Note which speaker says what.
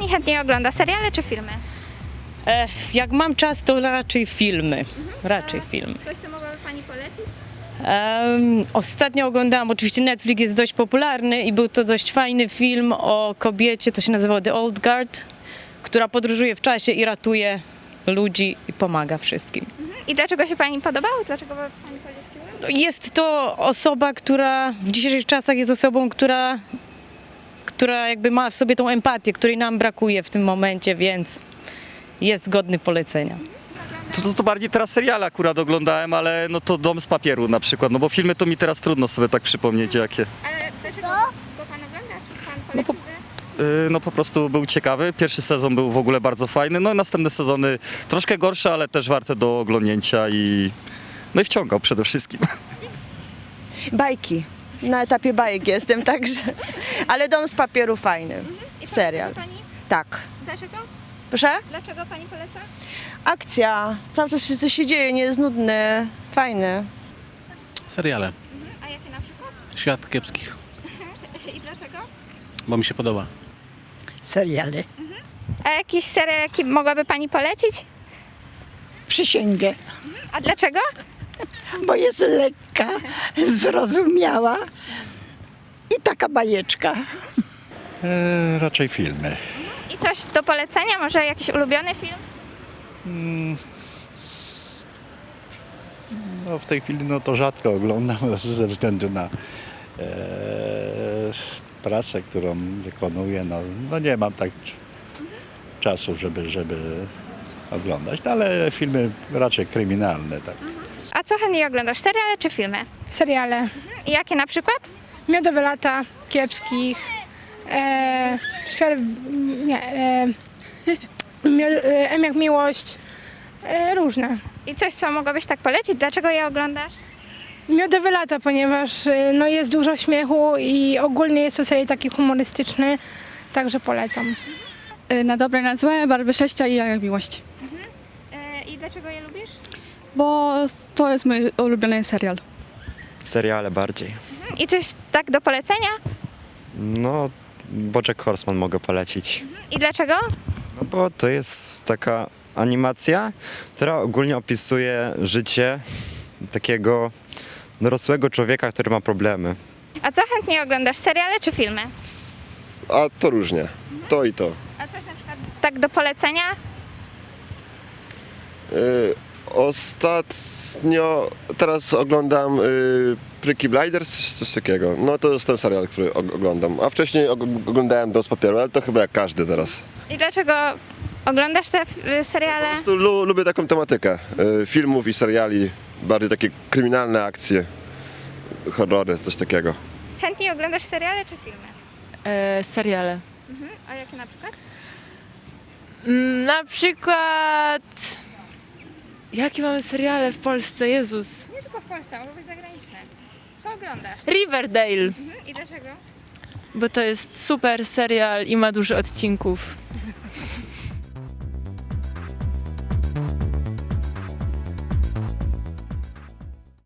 Speaker 1: chętniej ogląda, seriale czy filmy?
Speaker 2: Jak mam czas, to raczej filmy. Raczej filmy.
Speaker 1: Coś, co mogłaby Pani polecić?
Speaker 2: Ostatnio oglądałam, oczywiście Netflix jest dość popularny i był to dość fajny film o kobiecie, to się nazywało The Old Guard, która podróżuje w czasie i ratuje ludzi i pomaga wszystkim.
Speaker 1: I dlaczego się Pani podobało? Dlaczego Pani poleciła?
Speaker 2: Jest to osoba, która w dzisiejszych czasach jest osobą, która jakby ma w sobie tą empatię, której nam brakuje w tym momencie, więc jest godny polecenia.
Speaker 3: To bardziej teraz seriale akurat oglądałem, ale no to Dom z papieru na przykład, no bo filmy to mi teraz trudno sobie tak przypomnieć jakie.
Speaker 1: Ale dlaczego go Pan ogląda? Czy Pan poleciłby?
Speaker 3: No po prostu był ciekawy, pierwszy sezon był w ogóle bardzo fajny, no i następne sezony troszkę gorsze, ale też warte do oglądnięcia i wciągał przede wszystkim.
Speaker 4: Bajki. Na etapie bajek jestem, także. Ale Dom z papieru fajny.
Speaker 1: I
Speaker 4: Serial.
Speaker 1: poleca Pani?
Speaker 4: Tak.
Speaker 1: Dlaczego?
Speaker 4: Proszę?
Speaker 1: Dlaczego Pani poleca?
Speaker 4: Akcja. Cały czas coś się dzieje, nie jest nudny. Fajny.
Speaker 5: Seriale.
Speaker 1: A jakie na przykład?
Speaker 5: Świat kiepskich,
Speaker 1: I dlaczego?
Speaker 5: bo mi się podoba.
Speaker 6: Seriale.
Speaker 1: A jakiś serial, jaki mogłaby Pani polecić?
Speaker 6: Przysięgę,
Speaker 1: A dlaczego?
Speaker 6: bo jest lekka, zrozumiała i taka bajeczka.
Speaker 7: Raczej filmy.
Speaker 1: I coś do polecenia? Może jakiś ulubiony film?
Speaker 7: No, w tej chwili no, to rzadko oglądam ze względu na pracę, którą wykonuję. No nie mam tak czasu, żeby oglądać, no, ale filmy raczej kryminalne. Tak.
Speaker 1: A co chętniej oglądasz? Seriale czy filmy?
Speaker 8: Seriale.
Speaker 1: I jakie na przykład?
Speaker 8: Miodowe lata, kiepskich. Świat, nie. M jak miłość. Różne.
Speaker 1: I coś, co mogłabyś tak polecić? Dlaczego je oglądasz?
Speaker 8: Miodowe lata, ponieważ no, jest dużo śmiechu i ogólnie jest to serial taki humorystyczny, także polecam.
Speaker 9: Na dobre, na złe, Barwy Sześcia i Jak miłość.
Speaker 1: I dlaczego je lubisz?
Speaker 9: Bo to jest mój ulubiony serial.
Speaker 10: Seriale bardziej.
Speaker 1: I coś tak do polecenia?
Speaker 10: No, BoJack Horseman mogę polecić.
Speaker 1: I dlaczego?
Speaker 10: No bo to jest taka animacja, która ogólnie opisuje życie takiego dorosłego człowieka, który ma problemy.
Speaker 1: A co chętniej oglądasz? Seriale czy filmy?
Speaker 11: A to różnie. To i to.
Speaker 1: A coś na przykład tak do polecenia?
Speaker 11: Ostatnio, teraz oglądam Peaky Blinders, coś takiego. No to jest ten serial, który oglądam. A wcześniej oglądałem Dom z papieru, ale to chyba jak każdy teraz.
Speaker 1: I dlaczego oglądasz te seriale?
Speaker 11: Po prostu lubię taką tematykę filmów i seriali, bardziej takie kryminalne akcje, horrory, coś takiego.
Speaker 1: Chętniej oglądasz seriale czy filmy?
Speaker 2: Seriale.
Speaker 1: A jakie na przykład?
Speaker 2: Na przykład... Jakie mamy seriale w Polsce? Jezus.
Speaker 1: Nie tylko w Polsce, mogą być zagraniczne. Co oglądasz?
Speaker 2: Riverdale,
Speaker 1: I dlaczego?
Speaker 2: bo to jest super serial i ma dużo odcinków.